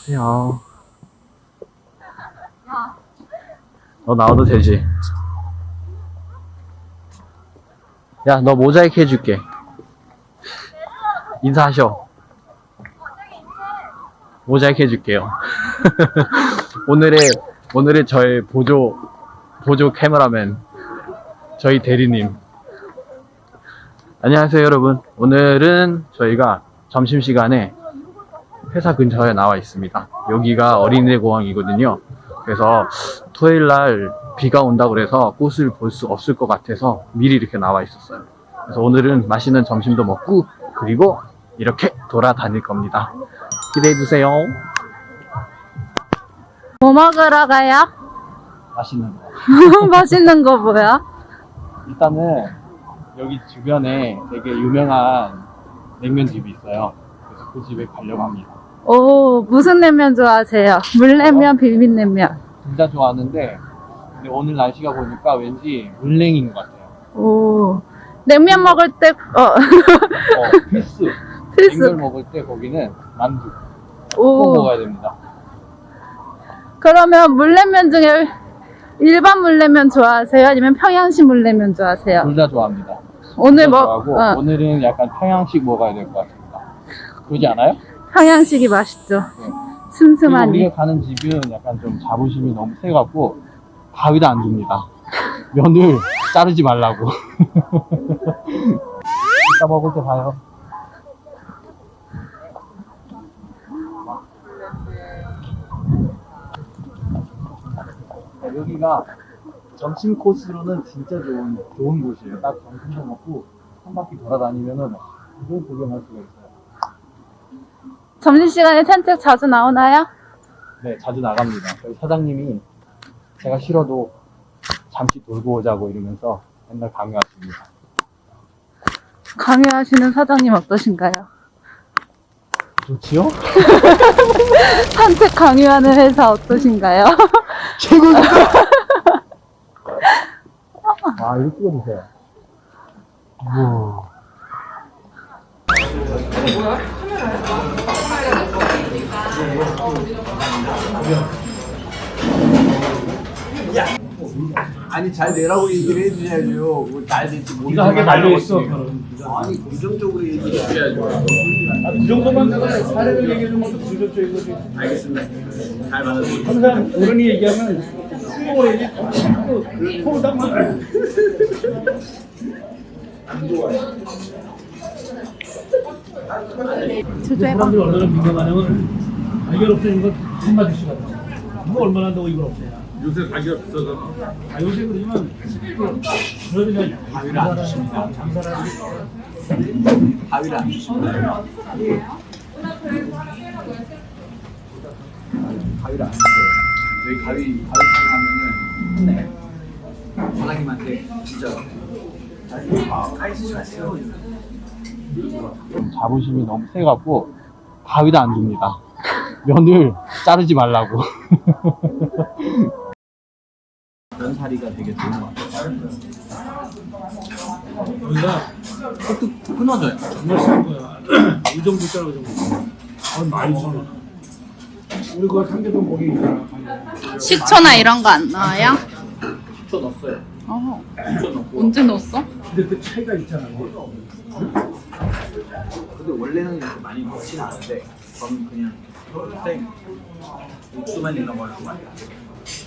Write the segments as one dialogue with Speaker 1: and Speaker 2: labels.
Speaker 1: 안녕하세요. 너 나와도 되지? 야, 너 모자이크 해줄게. 인사하셔. 모자이크 해줄게요. 오늘의 저의 보조 카메라맨, 저희 대리님. 안녕하세요, 여러분. 오늘은 저희가 점심시간에 회사 근처에 나와 있습니다. 여기가 어린이대 공항이거든요. 그래서 토요일날 비가 온다고 그래서 꽃을 볼 수 없을 것 같아서 미리 이렇게 나와 있었어요. 그래서 오늘은 맛있는 점심도 먹고 그리고 이렇게 돌아다닐 겁니다. 기대해주세요.
Speaker 2: 뭐 먹으러 가요?
Speaker 1: 맛있는 거.
Speaker 2: 맛있는 거 뭐야?
Speaker 1: 일단은 여기 주변에 되게 유명한 냉면집이 있어요. 그래서 그 집에 가려고 합니다.
Speaker 2: 오, 무슨 냉면 좋아하세요? 물냉면, 비빔냉면.
Speaker 1: 둘 다 좋아하는데 근데 오늘 날씨가 보니까 왠지 물냉인 것 같아요.
Speaker 2: 오, 냉면 먹을 때,
Speaker 1: 필수.
Speaker 2: 필수.
Speaker 1: 냉면 먹을 때 거기는 만두 꼭
Speaker 2: 오,
Speaker 1: 먹어야 됩니다.
Speaker 2: 그러면 물냉면 중에 일반 물냉면 좋아하세요? 아니면 평양식 물냉면 좋아하세요?
Speaker 1: 둘 다 좋아합니다.
Speaker 2: 오늘
Speaker 1: 둘다
Speaker 2: 뭐,
Speaker 1: 좋아하고 오늘은 약간 평양식 먹어야 될 것 같습니다. 그러지 않아요?
Speaker 2: 평양식이 맛있죠.
Speaker 1: 네. 그리고
Speaker 2: 슴슴하니.
Speaker 1: 우리가 가는 집은 약간 좀 자부심이 너무 세갖고 가위도 안 줍니다. 면을 자르지 말라고. 이따 먹을 때 봐요. 여기가 점심 코스로는 진짜 좋은 곳이에요. 딱 점심도 먹고 한 바퀴 돌아다니면은 이걸 구경할 수가 있어요.
Speaker 2: 점심시간에 산책 자주 나오나요?
Speaker 1: 네, 자주 나갑니다. 저희 사장님이 제가 싫어도 잠시 돌고 오자고 이러면서 맨날 강요하십니다.
Speaker 2: 강요하시는 사장님 어떠신가요?
Speaker 1: 좋지요?
Speaker 2: 산책 강요하는 회사 어떠신가요?
Speaker 1: 최고입니다! 아, 이거 찍어주세요. 우와.
Speaker 3: 아니 잘 내라고 얘기를 해주셔야죠. 잘 될지 모르겠어.
Speaker 4: 네가 하게 말려있어.
Speaker 3: 아니 긍정적으로 얘기를 해야죠.
Speaker 4: 그 정도만 내가 사례를 얘기해주는 것도 긍정적인 거지.
Speaker 3: 알겠습니다. 잘 받아들여요.
Speaker 4: 항상 어른이 얘기하면 수긍을 해야지. 코를 딱 막. 안 좋아요. 사람들이 얼마나 민감하냐면 발견 없애는 건 한마디씩 하다. 누가 얼마나 한다고 이걸 없애냐.
Speaker 3: 요새 가격 비싸서
Speaker 4: 요새 그러지만 그래도 그냥
Speaker 3: 가위를 안 주십니다.
Speaker 4: 장사라는
Speaker 3: 가위를 안 주십니다. 가위를 안 주세요. 저희 가위 사용하면은 혼내요. 사장님한테 진짜 가위 쓰지 마세요.
Speaker 1: 좀 자부심이 너무 세갖고 가위도 안 줍니다. 면을 자르지 말라고.
Speaker 3: 면사리가 되게 좋은 것 같아요.
Speaker 4: 우리가
Speaker 3: 톡톡 끊어져요.
Speaker 4: 정말 싼 거야. 이 정도 짜고 정도. 많이 써. 우리 그 삼계동 거기 있잖아.
Speaker 2: 식초나 이런 거 안 넣어요?
Speaker 3: 식초 넣었어요.
Speaker 2: 어.
Speaker 3: 식초 넣고.
Speaker 2: 언제 넣었어?
Speaker 4: 근데 그 차이가 있잖아.
Speaker 3: 근데 원래는 이렇게 많이 넣지는 않은데 저는 그냥 생 육수만 있는 걸로 많이 넣어요.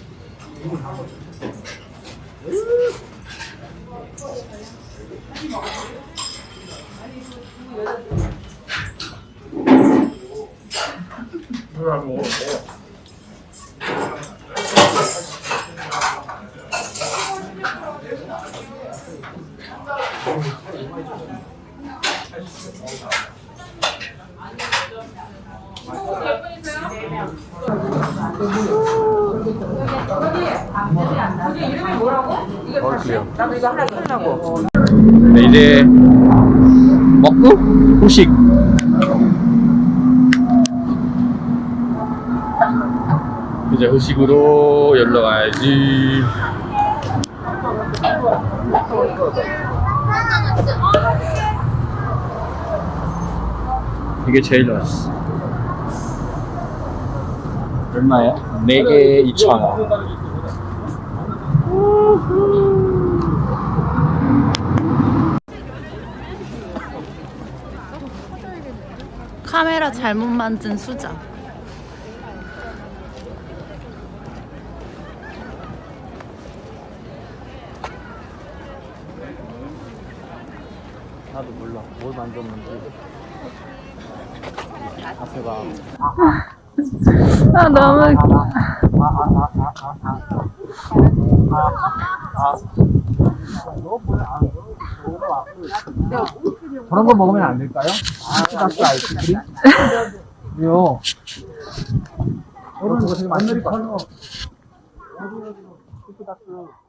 Speaker 1: 네, 이제 먹고 후식. 이제 후식으로 열러 가야지. 이게 제일 맛있어. 얼마예요? 4개 2,000원.
Speaker 2: 카메라 잘못 만든 수작.
Speaker 1: 나도 몰라. 뭘 만졌는지. 앞에가.
Speaker 2: 아, 너무.
Speaker 1: 저런 거 먹으면 안 될까요? 스타스 아이스크림? 왜요? 저는 되게 많이